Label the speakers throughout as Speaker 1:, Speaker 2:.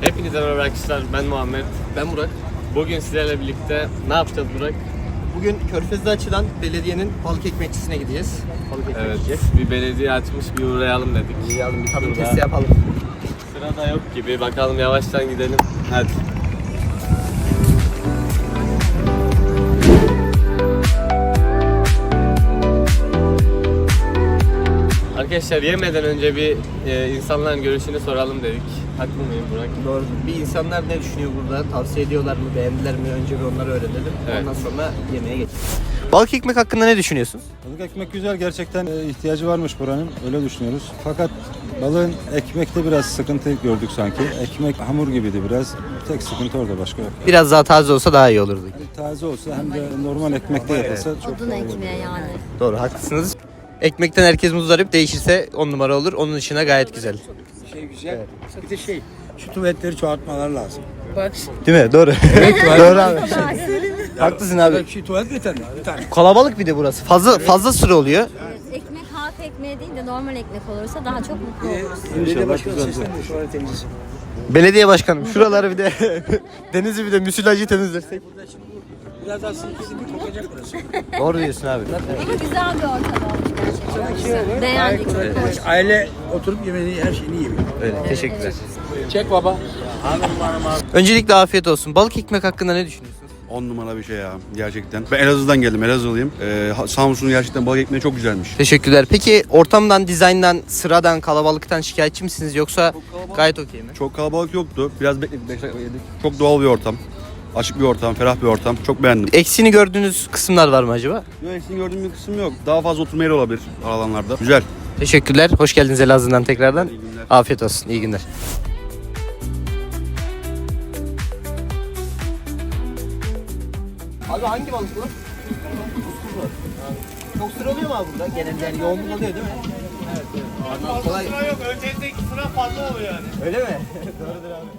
Speaker 1: Hepinize merhaba arkadaşlar, ben Muhammed.
Speaker 2: Ben Burak.
Speaker 1: Bugün sizlerle birlikte ne yapacağız Burak?
Speaker 2: Bugün Körfez'de açılan belediyenin balık ekmekçisine gideceğiz. Balık ekmek
Speaker 1: Evet,
Speaker 2: yiyeceğiz.
Speaker 1: bir belediye açmış, bir uğrayalım dedik.
Speaker 2: Yiyalım, bir tadım
Speaker 1: Şurada.
Speaker 2: testi yapalım.
Speaker 1: Sırada yok gibi, bakalım yavaştan gidelim. Hadi. Arkadaşlar yemeden önce bir insanların görüşünü soralım dedik. Haklı mıyım Burak?
Speaker 2: Doğru. Bir insanlar ne düşünüyor burada? Tavsiye ediyorlar mı? Beğendiler mi? Önce bir onları öğrenelim.
Speaker 1: Evet.
Speaker 2: Ondan sonra yemeğe geçelim. Balık ekmek hakkında ne düşünüyorsunuz?
Speaker 3: Balık ekmek güzel, gerçekten ihtiyacı varmış buranın, öyle düşünüyoruz. Fakat balığın ekmekte biraz sıkıntı gördük sanki. Ekmek hamur gibiydi biraz. Tek sıkıntı orada, başka yok.
Speaker 2: Biraz daha taze olsa daha iyi olurdu.
Speaker 3: Taze olsa hem de normal ekmekte yapılsa çok
Speaker 4: Odun
Speaker 3: daha iyi olur.
Speaker 4: ekmeği yani.
Speaker 2: Doğru, haklısınız. Ekmekten herkes muzdarip, değişirse 10 numara olur. Onun dışında gayet güzel.
Speaker 5: Güzel. Bir de şu tuvaletleri çoğaltmaları lazım.
Speaker 2: Değil mi? Doğru. Doğru abi. Haklısın abi.
Speaker 5: Şu tuvalet yeter mi? Bir tane.
Speaker 2: Kalabalık bir de burası. Fazla sıra oluyor.
Speaker 4: Ekmek halk ekmeği değil de normal ekmek olursa daha çok mutlu oluruz.
Speaker 5: Belediye başkanı seslendi tuvalet temizlesin.
Speaker 2: Belediye başkanım şuraları bir de denizi bir de müsilajı temizlersek.
Speaker 5: Biraz daha sinir kokacak burası.
Speaker 2: Doğru diyorsun abi.
Speaker 4: Ama güzel bir ortam olmuş gerçekten. Beğendik, çok hoş.
Speaker 5: Aile oturup yemeğini, her şeyini yiyor.
Speaker 2: Öyle, teşekkürler.
Speaker 5: Çek baba.
Speaker 2: Öncelikle afiyet olsun. Balık ekmek hakkında ne düşünüyorsunuz?
Speaker 6: 10 numara bir şey ya gerçekten. Ben Elazığ'dan geldim, Elazığlıyım. Samsun'un gerçekten balık ekmeği çok güzelmiş.
Speaker 2: Teşekkürler. Peki ortamdan, dizayndan, sıradan, kalabalıktan şikayetçi misiniz yoksa gayet okey mi?
Speaker 6: Çok kalabalık yoktu. Biraz bekledik, 5 dakika yedik. Çok doğal bir ortam. Açık bir ortam, ferah bir ortam. Çok beğendim.
Speaker 2: Eksiğini gördüğünüz kısımlar var mı acaba?
Speaker 6: Yok, eksiğini gördüğüm bir kısım yok. Daha fazla oturma yeri olabilir alanlarda. Güzel.
Speaker 2: Teşekkürler. Hoş geldiniz Elazığ'dan tekrardan.
Speaker 6: İyi günler.
Speaker 2: Afiyet olsun. İyi günler. Abi hangi balık bu? Çok sıra oluyor mu abi burada? Genelde yani yoğunluk oluyor değil mi? Evet. Kolay.
Speaker 1: Sıra yok, öncelikle sıra fazla oluyor yani.
Speaker 2: Öyle mi? Doğrudur abi.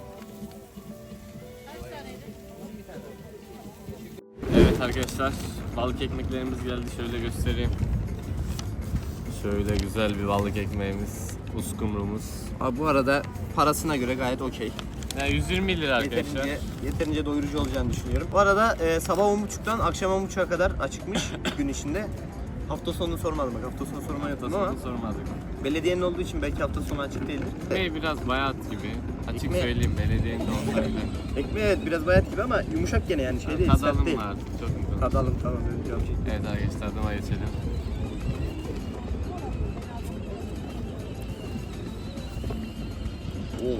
Speaker 1: Evet arkadaşlar, balık ekmeklerimiz geldi. Şöyle göstereyim. Şöyle güzel bir balık ekmeğimiz, uskumrumuz.
Speaker 2: Abi bu arada parasına göre gayet okey.
Speaker 1: Yani 120 lira arkadaşlar.
Speaker 2: Yeterince doyurucu olacağını düşünüyorum. Bu arada sabah 10.30'dan akşam 10.30'a kadar açıkmış gün içinde. Hafta sonunu sormadım bak, hafta sonu sormayı unuttum ama
Speaker 1: Sormadık.
Speaker 2: belediyenin olduğu için belki hafta sonu açık değildir.
Speaker 1: Ekmeği biraz bayat gibi. Açık
Speaker 2: Ekmeği-
Speaker 1: söyleyeyim, belediyenin de olsaydı.
Speaker 2: Ekmeği evet biraz bayat gibi ama yumuşak gene yani şey değil, sert
Speaker 1: Tadalım
Speaker 2: değil.
Speaker 1: var, çok güzel.
Speaker 2: Tadalım tamam önce abi.
Speaker 1: Evet arkadaşlar, tadıma geçelim.
Speaker 2: Oo.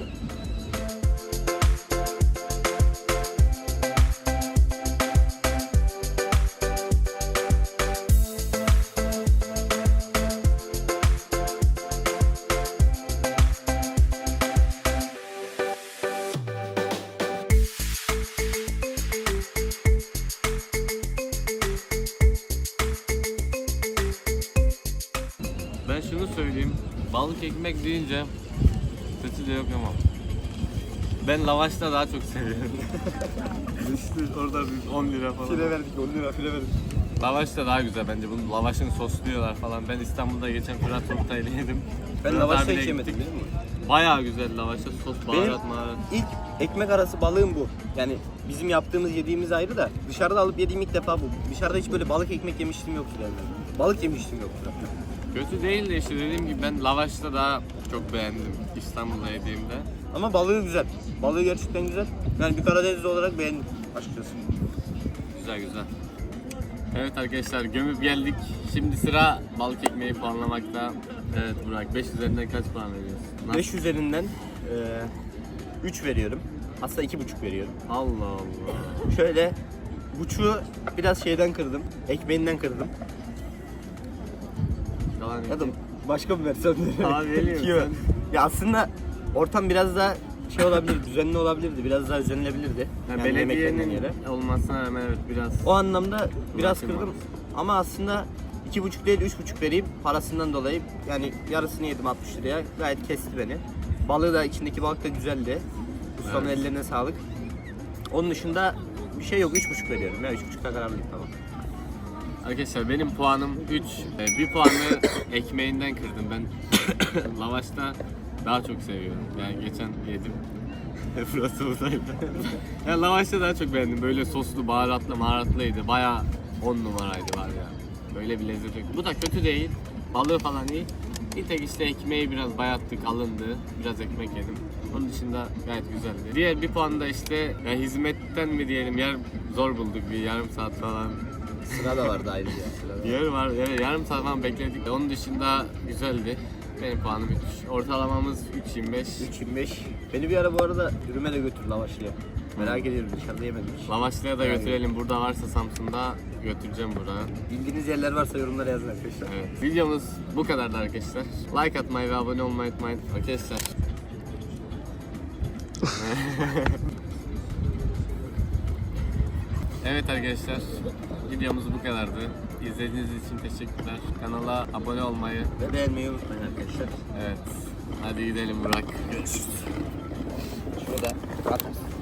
Speaker 1: Ben şunu söyleyeyim, balık ekmek deyince kötü de yok ama ben lavaşta daha çok seviyorum. İşte orada bir 10 lira falan.
Speaker 2: verdik 10 lira file verdik.
Speaker 1: Lavaş da daha güzel bence. Bunun lavaşını sosluyorlar falan. Ben İstanbul'da geçen Fırat Ortay'la yedim.
Speaker 2: Ben
Speaker 1: Fırat
Speaker 2: lavaşta
Speaker 1: abiyle
Speaker 2: hiç yemedim
Speaker 1: gittik.
Speaker 2: biliyor musun?
Speaker 1: Bayağı güzel lavaşta sos, baharat, maharat.
Speaker 2: İlk ekmek arası balığım bu. Yani bizim yaptığımız yediğimiz ayrı da dışarıda alıp yediğim ilk defa bu. Dışarıda hiç böyle balık ekmek yemiştim yoktu yani. Balık yemiştim yoktu.
Speaker 1: Kötü değil de işte dediğim gibi ben lavaşta daha çok beğendim İstanbul'da yediğimde.
Speaker 2: Ama balığı güzel. Balığı gerçekten güzel. Yani bir Karadenizli olarak beğendim açıkçası.
Speaker 1: Güzel güzel. Evet arkadaşlar, gömüp geldik. Şimdi sıra balık ekmeği puanlamakta. Evet Burak, 5 üzerinden kaç puan veriyorsun?
Speaker 2: 5 üzerinden 3 veriyorum. Aslında 2,5 veriyorum.
Speaker 1: Allah Allah.
Speaker 2: Şöyle buçuğu biraz şeyden kırdım. Ekmeğinden kırdım.
Speaker 1: Yalan
Speaker 2: Ya da
Speaker 1: yok.
Speaker 2: başka bir versem de.
Speaker 1: Abi veriyorum
Speaker 2: İki ver.
Speaker 1: sen.
Speaker 2: Ya aslında ortam biraz daha şey olabilir, düzenli olabilirdi. Biraz daha düzenlenebilirdi.
Speaker 1: Yani
Speaker 2: yemeklerden
Speaker 1: belediyenin olmasına rağmen evet biraz.
Speaker 2: O anlamda biraz
Speaker 1: Bırakın
Speaker 2: kırdım.
Speaker 1: bana.
Speaker 2: Ama aslında 2,5 değil 3,5 vereyim parasından dolayı. Yani yarısını yedim 60 liraya. Gayet kesti beni. Balığı da, içindeki balık da güzeldi. Ustanın
Speaker 1: Evet.
Speaker 2: ellerine sağlık. Onun dışında bir şey yok, 3,5 veriyorum ya. 3,5'ta kararlıyım tamam.
Speaker 1: Arkadaşlar benim puanım 3. Bir puanı ekmeğinden kırdım ben. Lavaşta daha çok seviyorum. Yani geçen yedim. Burası buradaydı. Ya lavaşta daha çok beğendim. Böyle soslu, baharatlıydı. Bayağı 10 numaraydı var ya. Böyle bir lezzet yok. Bu da kötü değil. Balığı falan iyi. Bir tek işte ekmeği biraz bayattık, alındı. Biraz ekmek yedim. Onun dışında gayet güzeldi. Diğer bir puan da işte ya hizmetten mi diyelim, yer zor bulduk, bir yarım saat falan.
Speaker 2: Sıra da vardı ayrıca.
Speaker 1: Yer var, evet, yarım saat falan bekledik. Onun dışında güzeldi. Benim puanım 3. Ortalamamız 3.25.
Speaker 2: 3.25. Beni bir ara bu arada dürüme de götür lavaşlıya. Merak ediyorum, dışarıda yemedim hiç.
Speaker 1: Lavaşlı'ya da
Speaker 2: Yani.
Speaker 1: götürelim. Burada varsa Samsun'da götüreceğim buraya.
Speaker 2: Bildiğiniz yerler varsa yorumlara yazın arkadaşlar.
Speaker 1: Evet. Videomuz bu kadardı arkadaşlar. Like atmayı ve abone olmayı unutmayın arkadaşlar. Evet arkadaşlar, videomuz bu kadardı. İzlediğiniz için teşekkürler. Kanala abone olmayı,
Speaker 2: Ve beğenmeyi unutmayın arkadaşlar.
Speaker 1: evet. Hadi gidelim Burak.
Speaker 2: Görüşürüz. Şurada at.